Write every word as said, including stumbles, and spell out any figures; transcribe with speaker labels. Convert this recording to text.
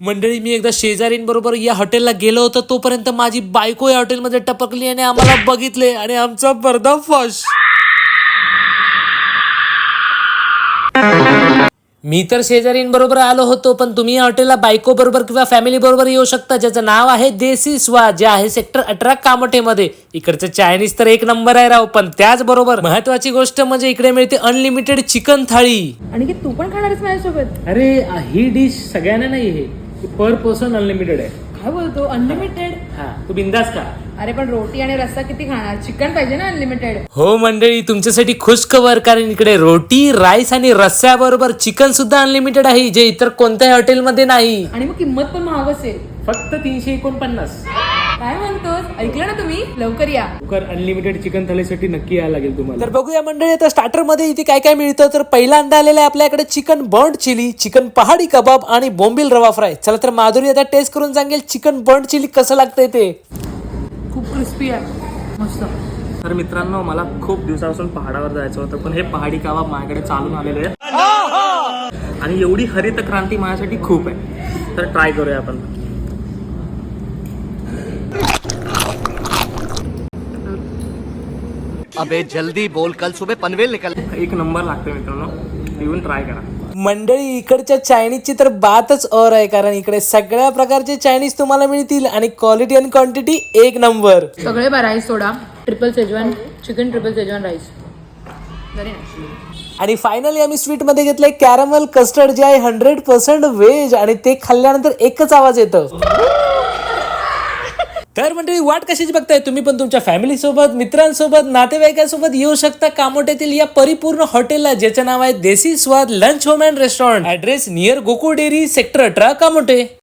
Speaker 1: मंडळी, मी एकदा शेजारींबरोबर या हॉटेलला गेलो होतो, तोपर्यंत माझी बायको या हॉटेलमध्ये टपकली आणि आम्हाला बघितले आणि आमचा पर्दाफाश. मी तर शेजारींबरोबर आलो होतो, पण तुम्ही या हॉटेलला बायको बरोबर किंवा फॅमिली बरोबर येऊ शकता, ज्याचं नाव आहे देसी स्वाद, जे आहे सेक्टर अठरा कामोठेमध्ये. इकडचं चायनीज तर एक नंबर आहे राव, पण त्याचबरोबर महत्वाची गोष्ट म्हणजे इकडे मिळते अनलिमिटेड चिकन थाळी.
Speaker 2: आणि की तू पण खाणारच माझ्यासोबत?
Speaker 1: अरे ही डिश सगळ्यांना नाही, हे पर पर्सन अनलिमिटेड आहे.
Speaker 2: काय बोलतो अनलिमिटेड?
Speaker 1: हा, तू बिंदास का?
Speaker 2: अरे पण रोटी आणि रस्सा किती खाणार? चिकन पाहिजे ना अनलिमिटेड.
Speaker 1: हो मंडळी, तुमच्यासाठी खुश खबर, कारण इकडे रोटी, राईस आणि रस्स्याबरोबर चिकन सुद्धा अनलिमिटेड आहे, जे इतर कोणत्याही हॉटेलमध्ये नाही.
Speaker 2: आणि मग किंमत पण महाग असेल.
Speaker 1: फक्त तीनशे एकोणपन्नास.
Speaker 2: काय म्हणतोस? ऐकलं ना तुम्ही? लवकर या.
Speaker 1: लवकर अनलिमिटेड चिकन थालीसाठी नक्की यायला लागेल तुम्हाला. तर बघूया मंडळी, आता स्टार्टर मध्ये इथे काय काय मिळतं. तर पहिल्यांदा आलेलं आहे आपल्याकडे चिकन बर्ड चिली, चिकन पहाडी कबाब आणि बोंबील रवा फ्राय. चला तर माधुरी आता टेस्ट करून सांगेल चिकन बर्ड चिली कसं लागतंय ते.
Speaker 2: खूप क्रिस्पी आहे, मस्त.
Speaker 1: तर मित्रांनो, मला खूप दिवसापासून पहाडावर जायचं होतं, पण हे पहाडी कबाब माझ्याकडे चालून आलेले आहे आणि एवढी हरित क्रांती माझ्यासाठी खूप आहे. तर ट्राय करूया आपण.
Speaker 3: अबे जल्दी बोल, कल सुबह पनवेल निकल.
Speaker 1: एक नंबर लागतोय मित्रांनो, येऊन ट्राय करा.
Speaker 4: मंडळी, इकडच्या चायनीजची तर बातच और आहे, कारण इकडे सगळ्या प्रकारचे चायनीज तुम्हाला मिळतील आणि क्वालिटी आणि क्वांटिटी एक नंबर.
Speaker 2: सगळे बा राईस सोडा. Triple Schezwan chicken, triple Schezwan rice.
Speaker 4: आणि फायनली आम्ही स्वीट मध्ये घेतलंय कॅरमल कस्टर्ड, जे आहे हंड्रेड पर्सेंट व्हेज, आणि ते खाल्ल्यानंतर एकच आवाज येतं. तर मंडळी, वाट कशाची बघताय? तुम्ही पण तुमच्या फॅमिली सोबत, मित्रांसोबत, नातेवाईकांसोबत येऊ शकता कामोठ्यातील या परिपूर्ण हॉटेलला, ज्याचं नाव आहे Desi Swad lunch home and restaurant. Address near Gokul dairy, sector अठरा, कामोठे.